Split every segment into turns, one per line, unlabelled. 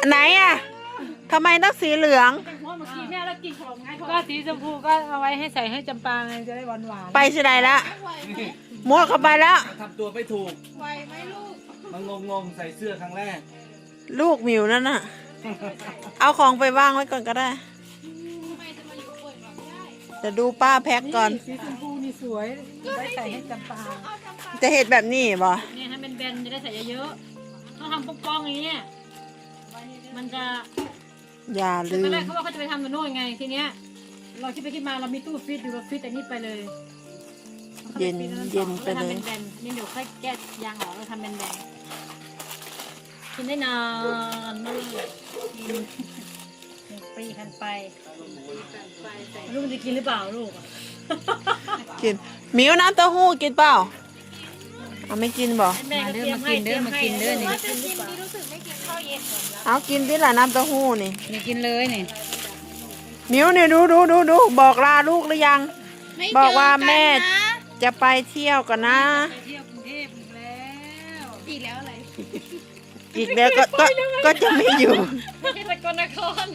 ไหนอ่ะทำไมต้องสีเหลือง
เพราะเมื่อกี้แม่เรากินขนมไงก็สีชมพูก็เอาไว้ให้ใส่ให้จำปาไงจะได้หวานหวาน
ไปสิไหนละมั่วเข้าไปแล้ว
ทำตัวไม่ถูก
ไหวไหมลูก
มันงงใส่เสื้อครั้งแรก
ลูกหมิวนั่นน่ะ เอาของไปวางไว้ก่อนก็ได้
ทำไมจะมาอยู่ป่วยแบบได้
จะดูป้าแพ็คก่อน
สีชมพูนี่สวยไว้ใส่ให้จำปา
เอาจำปา
จะเห็ดแบบนี้บ่
เนี่ยให้เป็นแบนจะได้ใส่เยอะๆต้องทำป้องๆอย่างนี้มันจะ
อย่า
ต
ลื
อน
ม
แรกเขาว่าเขาจะไปทำกับโน่นไงทีเนี้ยเราคิดไปคิดมาเรามีตู้ฟิตอยู่เราฟิตแต่นี่ไปเลย
เย็นเย็นไปเลย
ทำเป็นแบนนี่เดี๋ยวค่อยแก้ยางออกเราทำเป็นแบนกินได้นานมากกินปีกันไปลูกมันจะกินหรือเปล่าลูก
กินหมิวน้ำเต้าหู้กินเปล่าเอาไม่กินบ่
แม่ก็เตรียมให้เตรียมให้เด้อนี่
ว่าจะกินที่รู้สึกไม่กินข้าวเย็นเหมือนกัน
เอากินที่ละน้ำเต้าหู้นี่
นี่กินเลยนี่
หมิวเนี่ยดูบอกลาลูกหรือยัง
ไม่
บอกว่าแม่
เจอกันนะ
จะไปเที่ยวกันนะ
ไปเที่ยวกรุงเทพอีกแล้ว
อีกแล้วอะไร
อีกแล้วก็จะไม่อยู่
ไม่ใช่สกลนคร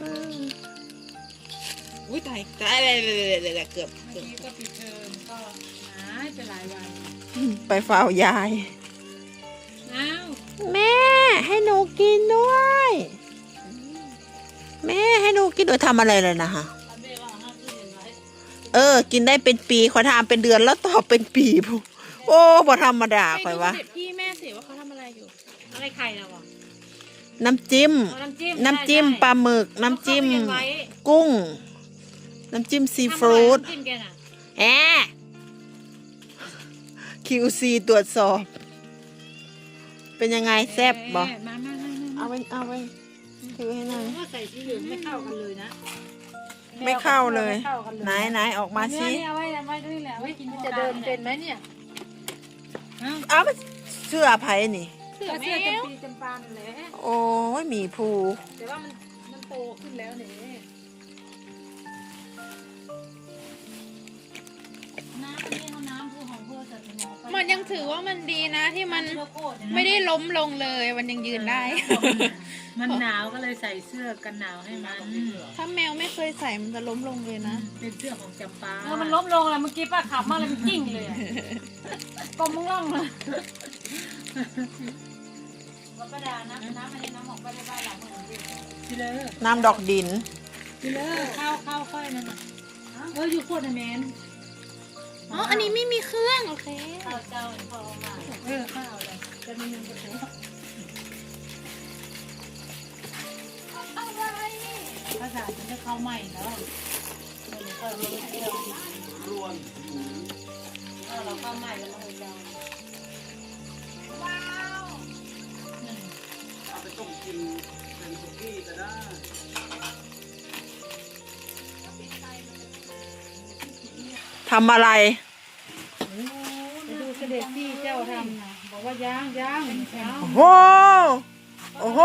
อุ้ยตายอะไรเกือบ
เมื่อกี้ก็ปิดเทอมก็หายไปหลายวัน
ไปเฝ้ายาย
อ้าว
แม่ให้หนูกินด้วย แม่ให้หนูกินด้วยทำอะไรเลยนะฮะ
แม่ก็เอาห้าตู้เย็นไว้
กินได้เป็นปีขอทำเป็นเดือนแล้วตอบเป็นปีพูโอ้บ่ธรรมดาข่อยวะ
เด็กพี่แม่สิว่าเขาทำอะไรอยู่
อะไรไข่นะวะ
น้ำจิ้ม
เอาน้ำจิ้ม
น้ำจิ้ม
ใช่
ปลาหมึก น้ำจิ้ม
เอาเข้าไปเย็นไว้
กุ้ง น้ำจิ้มซี
ทำอะไร
ฟู้ด
น้ำจิ้มแกน่ะ
แอะ QC ตรวจสอบ เป็นยังไงแซ่บบ่
มา
เอาไว้ถือให้หน่อย
ว่าใส่สีเหลืองไม่เข้ากันเลยนะ
ไม่เข้าเลย
ไม่ข้ากันเลย
ไหนออกมาสิ
เนี่ยเอาไว้ด้วยแหละไว้กินจะเดินเป็นไหมเนี่ย
เอาไปเสื้อไผ่นี่
เสือ
ก็
แม
เสื้อจำ
ว
ปีจำปาแหละ
โอ้ยหมีภู
แต่ว่ามันโตขึ้นแล้วเนี่ยน้ำนี่เขาน้ำคือของเพื่อจะเป็น
มันยังถือว่ามันดีนะที่มันไม่ได้ล้มลงเลย มันยังยืนได้
มันหนาวก็เลยใส่เสื้อกันหนาวให้มัน
ถ้าแมวไม่เคยใส่มันจะล้มลงเลยนะ
เป็นเสื้อของจำปามันล้มลงแล้วเมื่อกี้ป้าขับมาเลยมันกิ้งเลยกลมมึงล่องเลยว่าป้าดาน้ำมันน้ำออกไปได้บ้านหลังเหมือนกันทีเลย
น้ำดอกดิน
ทีเลยข้าวค่อยนั่นน่ะอยู่โคตรแมน
อ๋อ อันนี้ไม่มีเครื่อง โอเค
ข้าวเจ้าพอมาข้าวเลยจะมีเงินกระตุ้นภาษาจะได้เข้าใหม่แล้วเราเที่ยว
รวน
เราเข้าใหม่แล้วเราเจ้า
เอาไปต้มกินเป็นสุกี้ก็ได้
ทำอะไร
ไปดูเสด็จพี่เจ้าทำนะบอกว่าย่างย่างเช้า
โอ้โห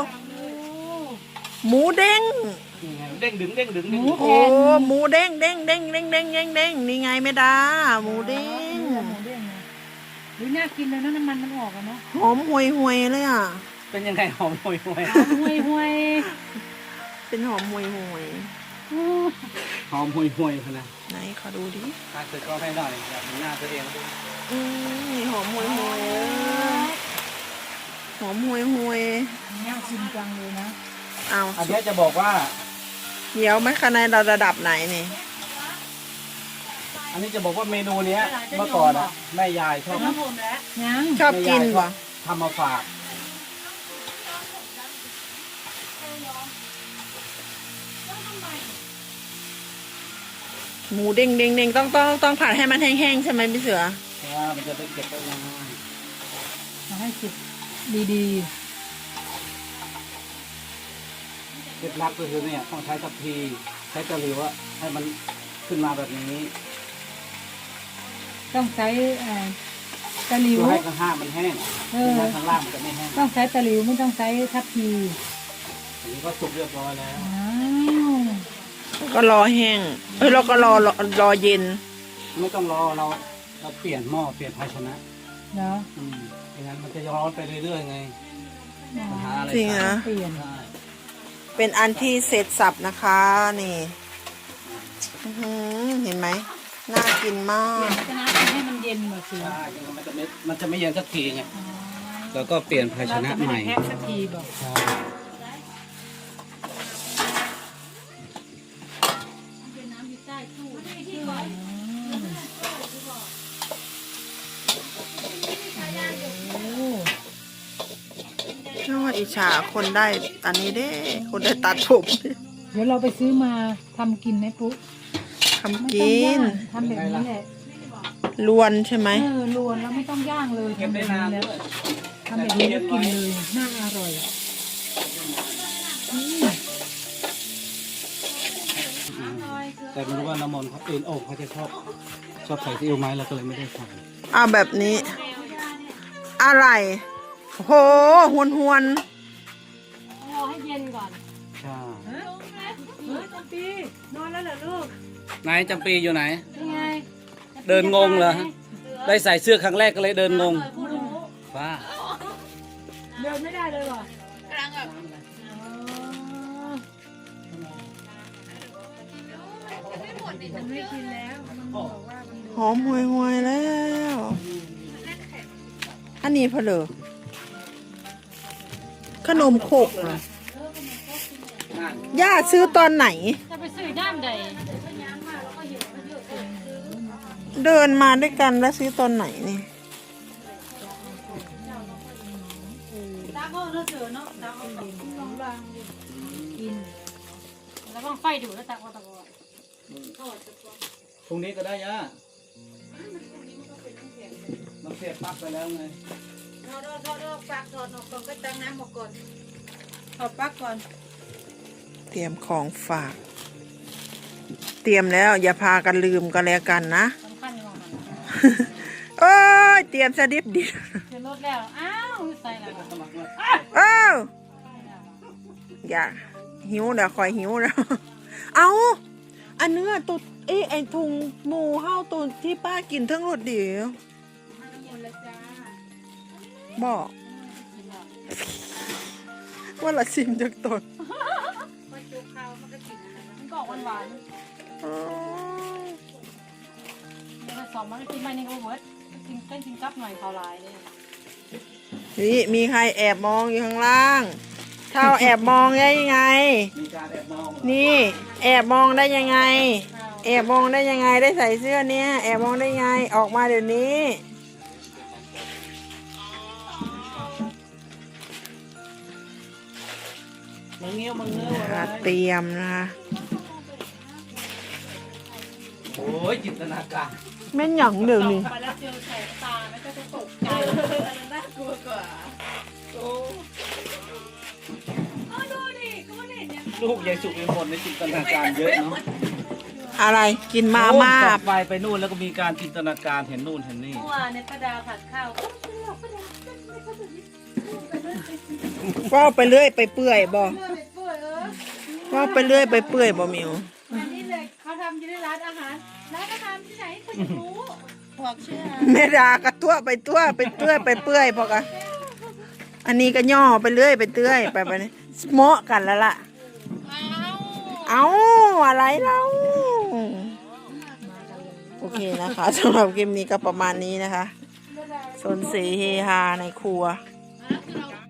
หมูเด้ง
เด้งดึงเด้งดึง
หมู
โอ้หมูเด้งนี่ไงไม่ดาหมูเด้ง
หมูเด้งนะหรือน่ากินเลยนะน้ำมันมันออกอะเนาะ
หอมห่วยเลยอ่ะ
เป็นยังไงหอมห่วยห่วย
ห่วย
เป็นหอมห่วย
หอมห่วยห่วยขนาด
ไหนขอดูดิ
ถ้าเกิดก็ให้หน่อยอยากเห็นหน้าตัวเองดู
นี่หอมห่วยหอมห่วย
น่ากินจังเลยนะ
เอา
อันนี้จะบอกว่า
เดี๋ยวไม่คะแนนเราระดับไหนนี่
อันนี้จะบอกว่าเมนูเนี้ยเมื่อก่อนอะแม่ยายชอบ
ยัง
ชอบกินป่ะ
ทำมาฝาก
หมูเด้งต้องผัดให้มันแห้งๆใช่ไหมพี่เสือ
เพราะว่ามันจะได้เก็บได้นาน
มาให้จิบดี
เคล็ดลับก็คือเนี่ยต้องใช้ทัพพีใช้ตะหลิวอะให้มันขึ้นมาแบบนี้
ๆต้องใช้ตะหลิว
เพื่อให้ข้างห้างมันแห้งไม่งั้นข้างล่างมันจะไม่แห้ง
ต้องใช้ตะหลิวไม่ต้องใช้ทัพพี
อันนี้ก็สุกเรียบร้อยแล้ว
อ้าว
ก็รอแห้งเราก็รอเย็น
ไม่ต้องรอเราเปลี่ยนหม้อเปลี่ยนภาชนะ
เนาะ
ไม่งั้นมันจะร้อนไปเรื่อยๆไงปัญหาอะไร
จริงเหรอ
เปลี่ยน
ใช่
เป็นอันที่เสร็จสับนะคะนี่อื้อหือเห็นไหมน่ากินมาก
จะน้ำให้มันเย็นแบบสิ
ใช่มันจะไม่เย็นสักทีไงแล้วก็เปลี่ยนภาชนะใหม่
แพ็คสักทีบอก
ใช่
น่าอิจฉาคนได้อันนี้เด้ คนได้ตัดผม
เดี๋ยวเราไปซื้อมาทำกินไหมปุ๊
ทำ
ไม่
กิ
ต้องย่าง
น
ทำแบบนี้แหละ
ลวนใช่ไหม
ลวนแล้วไม่ต้องย่างเลย
เก็บ
ทำแบ
ได้
บ
นา
นี้
น
แล้ว
ด้วย
ทำแบบนี้แล้วกินเลยน่าอร่อย
แต่ไม่รู้ว่าน้ำมนต์เขาโอ่งเขาจะชอบใส่ซีอิ๊วไหมเราก็เลยไม่ได้ใส่
เอาแบบนี้ อะไรโหหวนหวน
รอให้เย็นก่อน
ใช่
จำปีนอนแล้วเหรอลูก
ไหนจำปีอยู่ไหน
นี่ไง
เดินงงเหรอฮะได้ใส่เสื้อครั้งแรกก็เลยเดินงงว้า
เดินไม่ได้เลยเหรอก
ำลังแบบ
มันไม่กินแล้วมันบอกว่ามัน
หอมหวยหวยแล้ว อันนี้เพลอขนมขกเหรอย่าซื้อตอนไหน
จะไปซื้อด้านใด
เดินมาด้วยกันแล้วซื้อตอนไหนนี่
ตาก็เลือกเจอเนาะตาก็ลองรังกินแล้วก็ไฟดูแล้วตาก็ตะกอน
พรุ่งนี้ก็ได้ย่ามันเสียบปลั๊กไปแล้วไง
ถอดปลั๊กถอดออกก่อนก็ตั้งน้ำออกก่อนถอดปลั๊กก่อน
เตรียมของฝาก เตรียมแล้วอย่าพากันลืมกันแล้วกันนะ
สำคัญกว่ามัน
โอ้ยเตรียมสดิบดิ
เดี๋ยวรถแล้วอ้าวใส่แล้ว
เอ้าอย่าหิวเดี๋ยวคอยหิวแล้ว เอาอันเนื้อตัวไอถุงหมูเฮาตัวที่ป้ากินทั้งรถเดียวบอกว่าละชิมจากตน
มันก็หวานๆเนี่ยสองมันกินไปนี่ก็เวิร์ดกินเต้นกินกับหน่อยเขาลายเลย
นี่มีใครแอบมองอยู่ข้างล่างเท่าแอบมองได้ยังไง
มีการแอบมอง
นี่แอบมองได้ยังไง แอบมองได้ยังไงได้ใส่เสื้อเนี้ยแอบมองได้ยังไงออกมาเดี๋ยวนี้
มึงเงี้ยวมึงเงี้ยวอะไร
เตรียมนะคะ
โอ้ยจินตนาการ
แม่นหยังเดี๋ยวนี้
ไปแล้วเจอแสงตาไม่ก็จะตกใจ
น่ากลัวกว่า
ลูกยายสุกเป็นคนในจินตนาการเยอะเนาะ
อะไรกินมาม่า
โอ้ยต่อไปนู่นแล้วก็มีการจินตนาการเห็นนู่นเห็นนี่
เมื่อวานในป้าดาวผัดข้าว
ว่าไปเรื่อยไปเปื่อยบ่ว่าไปเรื่อยไปเปื่อยบ่มิว
อันนี้เลยเขาทำอยู่ในร้านอาหารที่ไหนคุณจะรู้
บอกชื่อ
แม่ดากระตัวไปตัวไปเตื้อยไปเปื่อยพอกะอันนี้ก็ย่อไปเรื่อยไปเตื้อยไปนี่เหมาะกันแล้วล่ะ เอาอะไรเราโอเคนะคะสำหรับคลิปนี้ก็ประมาณนี้นะคะสนสีเฮฮาในครัว